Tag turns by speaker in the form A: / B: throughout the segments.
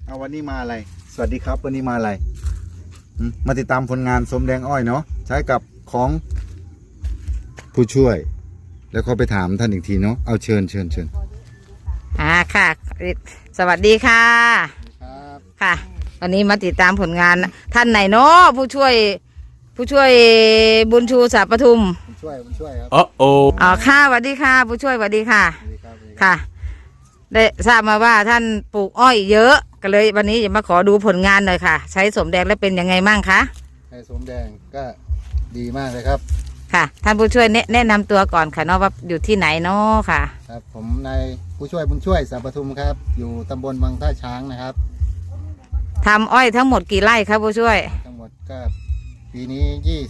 A: เอาวันนี้มาอะไรสวัสดีครับวันนี้มาอะไรมาติดตามผลงานสมแดงอ้อยเนาะใช้กับของผู้ช่วยแล้วก็ไปถามท่านอีกทีเนาะเอาเชิญ
B: ค่ะสวัสดีค่ะ
A: ครับ
B: ค่ะ วันนี้มาติดตามผลงานท่านไหนเนาะผู้ช่วยบุญชูสาปทุม
A: ผู้ช่วยครับ
B: อ๋อค่ะสวัสดีค่ะผู้ช่วยสวัสดีค่ะค่ะได้ทราบมาว่าท่านปลูกอ้อยเยอะก็เลยวันนี้จะมาขอดูผลงานหน่อยค่ะใช้สมแดงแล้วเป็นยังไงมั่งคะ
A: ใช้สมแดงก็ดีมากเลยครับ
B: ค่ะท่านผู้ช่วยแนะนำตัวก่อนค่ะเนาะว่าอยู่ที่ไหนเนาะค่ะ
A: ครับผมนายผู้ช่วยบุญช่วยสาปทุมครับอยู่ตำบลวังท่าช้างนะครับ
B: ทำอ้อยทั้งหมดกี่ไร่ครับผู้ช่วย
A: ทั้งหมดก็ปีนี้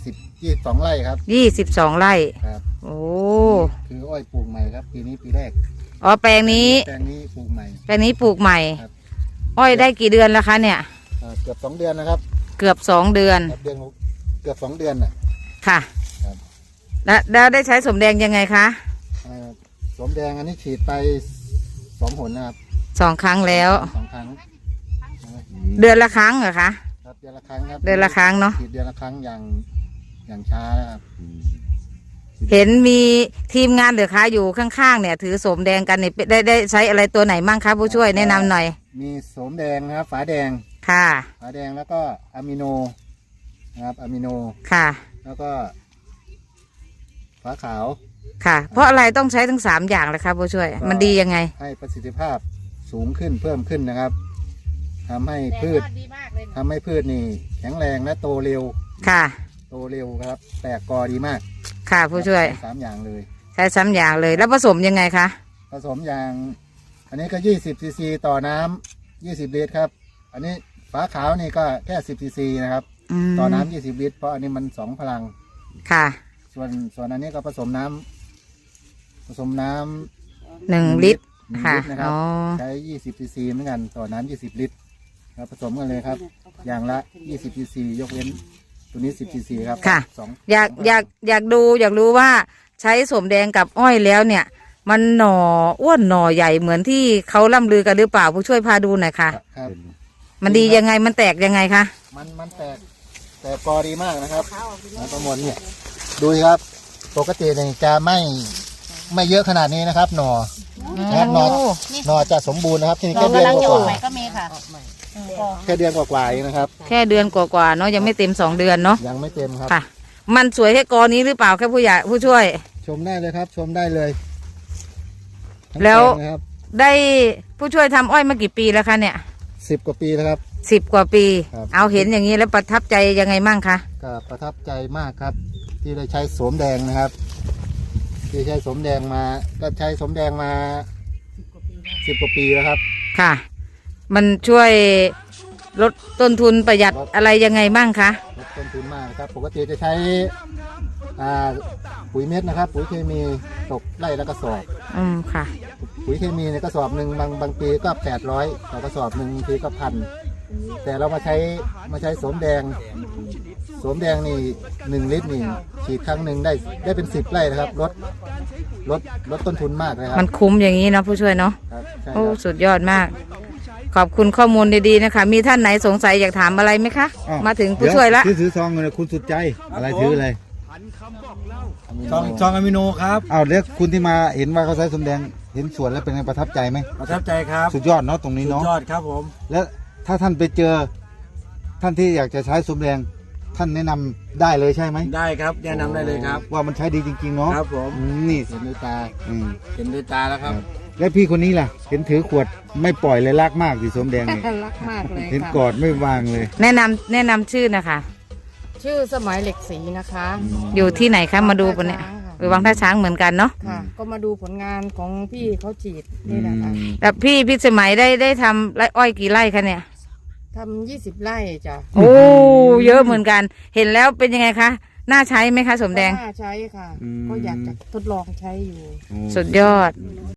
A: 22 ไร่ครับ
B: 22 ไร่
A: ครับ
B: โอ้
A: คืออ้อยปลูกใหม่ครับปีนี้ปีแรก
B: อ๋อแปลงนี้
A: ปลูกใหม่
B: อ้อยได้กี่เดือนแล้วคะเนี่ย
A: เกือบ2 เดือนนะครับ
B: เกือบ2 เดือน
A: เกือบ2 เดือนน่ะ
B: ค่ะแล้วได้ใช้สมแดงยังไงคะ
A: สมแดงอันนี้ฉีดไป2 หนนะครับ
B: 2 ครั้งแล้ว
A: 2 ครั้ง
B: เดือนละครั้งเหรอคะ
A: ครับเดือนละครั้งครับ
B: เดือนละครั้งเนาะ
A: ฉีดเดือนละครั้งอย่างช้านะครับ
B: เห็นมีทีมงานเหรือคะอยู่ข้างๆเนี่ยถือสมแดงกันเนี่ยได้ใช้อะไรตัวไหนมั่งคะผู้ช่วยแนะนำหน่อย
A: มีสมแดงนะครับฝาแดง
B: ค่ะ
A: ฝาแดงแล้วก็อะมิโนนะครับอะมิโน
B: ค่ะ
A: แล้วก็ฝาขาว
B: ค่ะเพราะอะไรต้องใช้ทั้ง3 อย่างเลยครับผู้ช่วยมันดียังไง
A: ให้ประสิทธิภาพสูงขึ้นเพิ่มขึ้นนะครับทำให้พืชนี่แข็งแรงและโตเร็ว
B: ค่ะ
A: โตเร็วครับแตกกอดีมาก
B: ค่ะผู้ช่วย
A: 3 อย่างเลย
B: ใช้3 อย่างเลยแล้วผสมยังไงคะ
A: ผสมอย่างอันนี้ก็20 ซีซีต่อน้ำ20 ลิตรครับอันนี้ฝาขาวนี่ก็แค่10 ซีซีนะครับต่อน้ำ20 ลิตรเพราะอันนี้มัน2 พลัง
B: ค่ะ
A: ส่วนอันนี้ก็ผสมน้ำ
B: 1 ลิตรค่ะ
A: นะครับใช้20 ซีซีเหมือนกันต่อน้ำ20 ลิตรครับผสมกันเลยครับอย่างละ20 ซีซียกเว้นตัวนี้10 ซีซีครับ
B: ค่ะอยากรู้ว่าใช้สมแดงกับอ้อยแล้วเนี่ยมันหน่ออ้วนหน่อใหญ่เหมือนที่เขาล่ำลือกันหรือเปล่าผู้ช่วยพาดูหน่อยค่ะ
A: ครับ
B: มันดียังไงมันแตกยังไงคะ
A: มันแตกกอดีมากนะครับประมวลเนี่ยดูครับปกติเนี่ยจะไม่เยอะขนาดนี้นะครับหน่อจะสมบูรณ์นะครับที่นี่แค่เดือนกว่า
C: ก็มีค่ะ
A: แค่เดือนกว่าเองนะครับ
B: แค่เดือนกว่าเนาะยังไม่เต็ม2 เดือนเนาะ
A: ยังไม่เต็มครับ
B: ค่ะมันสวยแค่กอนี้หรือเปล่าแค่ผู้ช่วย
A: ชมได้เลยครับชมได้เลย
B: แล้วได้ผู้ช่วยทำอ้อยมากี่ปีแล้วคะเนี่ย
A: 10 กว่าปีแล้วครับ
B: 10 กว่าปีเอาเห็นอย่างนี้แล้วประทับใจยังไงมั่งคะ
A: ก็ประทับใจมากครับที่ได้ใช้สมแดงนะครับที่ใช้สมแดงมาก็ใช้สมแดงมา10 กว่าปีแล้วครับ
B: ค่ะมันช่วยลดต้นทุนประหยัดอะไรยังไงบ้างคะ
A: ลดต้นทุนมากครับปกติจะใช้ปุ๋ยเม็ดนะครับปุ๋ยเคมีตกไร่ละกระสอบ
B: ค่ะ
A: ปุ๋ยเคมีในกระสอบหนึ่งบางปีก็800ต่อกระสอบหนึ่งบางทีก็1,000แต่เรามาใช้สมแดงนี่1 ลิตรนี่ฉีดครั้งหนึ่งได้เป็น10 ไร่นะครับลดต้นทุนมากเลยครับ
B: มันคุ้มอย่างนี้นะผู้ช่วยเนาะโอ้สุดยอดมากขอบคุณข้อมูลดีๆนะคะมีท่านไหนสงสัยอยากถามอะไรไหมคะมาถึงผู้ช่วยละ
A: ถือซองเงินคุณสุดใจอะไรถืออะไร
D: ซองอะมิโนครับ
A: อ้าวแล้วคุณที่มาเห็นว่าเขาใช้สมแดงเห็นสวนแล้วเป็นไงประทับใจไหม
D: ประทับใจครับ
A: สุดยอดเนาะตรงนี้เนาะ
D: สุดยอดครับผม
A: แล้วถ้าท่านไปเจอท่านที่อยากจะใช้สมแดงท่านแนะนำได้เลยใช่ไหม
D: ได้ครับแนะนำได้เลยครับ
A: ว่ามันใช้ดีจริงๆเนาะ
D: ครับผม
A: นี่
D: เห็นด้วยตาแล้วครับ
A: แล้วพี่คนนี้ล่ะเห็นถือขวดไม่ปล่อยเลยรักมากสิสมแดงเนี่ย
C: รักมากเลย
A: เห็นกอดไม่วางเลย
B: แนะนำชื่อนะคะ
C: ชื่อสมัยเหล็กสีนะคะ
B: อยู่ที่ไหนคะมาดูปะเนี่ยวังท่าช้างเหมือนกันเนาะ
C: ค่ะก็มาดูผลงานของพี่เขาฉีดนี่แหละค่ะ
B: แล้วพี่สมัยได้ทำไร่อ้อยกี่ไร่คะเนี่ย
C: ทำ20 ไร่จ้ะ
B: โอ้เยอะเหมือนกันเห็นแล้วเป็นยังไงคะน่าใช้ไหมคะสมแดง
C: น่าใช้ค่ะก็อยากจะทดลองใช้อยู่
B: สุดยอด